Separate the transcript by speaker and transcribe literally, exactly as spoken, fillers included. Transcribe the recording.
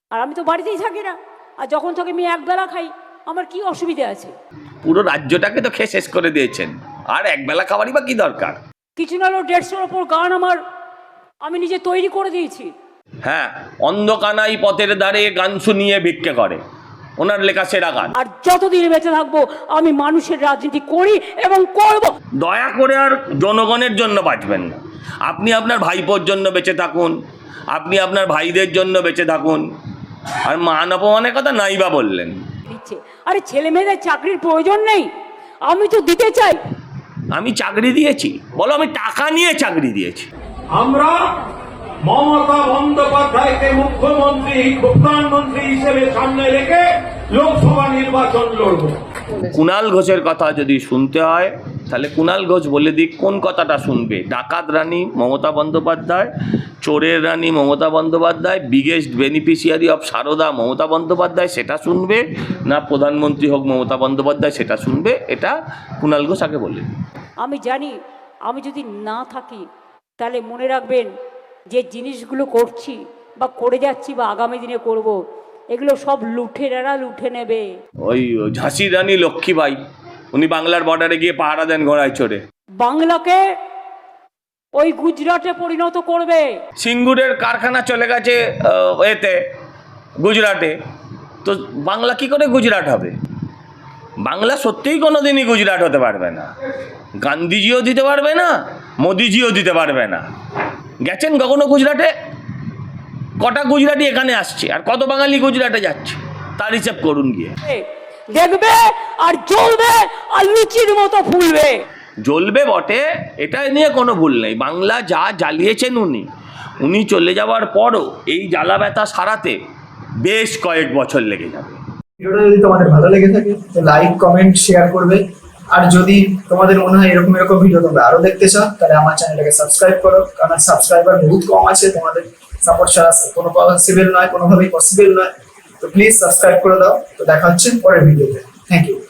Speaker 1: আর আমি তো বাড়িতেই থাকি না, আর যখন থাকি আমি একবেলা খাই, আমার কি অসুবিধা আছে?
Speaker 2: পুরো রাজ্যটাকে তো খেয়ে শেষ করে দিয়েছেন, আর একবেলা খাবারই বা কি দরকার?
Speaker 1: কিছু না হলেও দেড়শোর ওপর গান আমার আমি নিজে তৈরি করে দিয়েছি।
Speaker 2: হ্যাঁ, অন্ধকানাই পথের দ্বারে গান শুনিয়ে ভিক্ষে করে, ওনার লেখা সেরা গান।
Speaker 1: আর যতদিন বেঁচে থাকবো আমি মানুষের রাজনীতি করি এবং করব।
Speaker 2: দয়া করে আর জনগণের জন্য বাঁচবেন না, আপনি আপনার ভাইপোর জন্য বেঁচে থাকুন, আপনি আপনার ভাইদের জন্য বেঁচে থাকুন, আর মান অপমানের কথা নাই বা বললেন।
Speaker 1: দিচ্ছে, আরে ছেলে মেয়েদের চাকরির প্রয়োজন নেই, আমি তো দিতে চাই।
Speaker 2: আমি চাকরি দিয়েছি? বলো আমি টাকা নিয়ে চাকরি দিয়েছি।
Speaker 3: আমরা মমতা বন্দ্যোপাধ্যায়কে মুখ্যমন্ত্রী প্রধানমন্ত্রী হিসেবে সামনে রেখে লোকসভা নির্বাচন লড়ব।
Speaker 2: কুণাল ঘোষের কথা যদি শুনতে হয় তাহলে কুণাল ঘোষ বলে দিক কোন কথাটা শুনবে। ডাকাত রানী মমতা বন্দ্যোপাধ্যায়, চোরের রানী Mamata Bandyopadhyay, biggest beneficiary of Saradha Mamata Bandyopadhyay সেটা শুনবে, না প্রধানমন্ত্রী হোক মমতা বন্দ্যোপাধ্যায় সেটা শুনবে? এটা কুণাল ঘোষ আগে বলে।
Speaker 1: আমি জানি আমি যদি না থাকি তাহলে মনে রাখবেন যে জিনিসগুলো করছি বা করে যাচ্ছি বা আগামী দিনে করব, এগুলো সব লুঠেরারা লুঠে নেবে।
Speaker 2: ওই ঝাঁসির রানী লক্ষ্মীবাই, উনি বাংলার বর্ডারে গিয়ে পাহারা দেন ঘোড়ায় চড়ে।
Speaker 1: বাংলাকে ওই গুজরাটে পরিণত করবে।
Speaker 2: সিঙ্গুরের কারখানা চলে গেছে এতে গুজরাটে, তো বাংলা কি করে গুজরাট হবে? বাংলা সত্যিই কোনো দিনই গুজরাট হতে পারবে না। গান্ধীজিও দিতে পারবে না, মোদিজিও দিতে পারবে না। গেছেন কখনো গুজরাটে? কটা গুজরাটি এখানে আসছে আর কত বাঙালি গুজরাটে যাচ্ছে, তার হিসাব করুন গিয়ে।
Speaker 1: দেখবে আর জ্বলবে আর লুচির মতো ফুলবে।
Speaker 2: জ্বলবে বটে, এটা নিয়ে কোনো ভুল নেই। বাংলা যা জ্বালিয়েছেন উনি উনি চলে যাওয়ার পরও এই জ্বালা ব্যথা সারাতে বেশ কয়েক বছর লেগে যাবে।
Speaker 4: ভিডিওটা যদি তোমাদের ভালো লেগে থাকে তো লাইক, কমেন্ট, শেয়ার করবে। আর যদি তোমাদের মনে হয় এরকম এরকম ভিডিও তোমরা আরো দেখতে চাও তাহলে আমার চ্যানেলটাকে সাবস্ক্রাইব করো, কারণ সাবস্ক্রাইবার বহুত কম আছে, তোমাদের সাপোর্ট ছাড়া কোনো পসিবল নয়, কোনোভাবেই পসিবল নয়। তো প্লিজ সাবস্ক্রাইব করে দাও। তো দেখা হচ্ছে পরের ভিডিওতে। Thank you.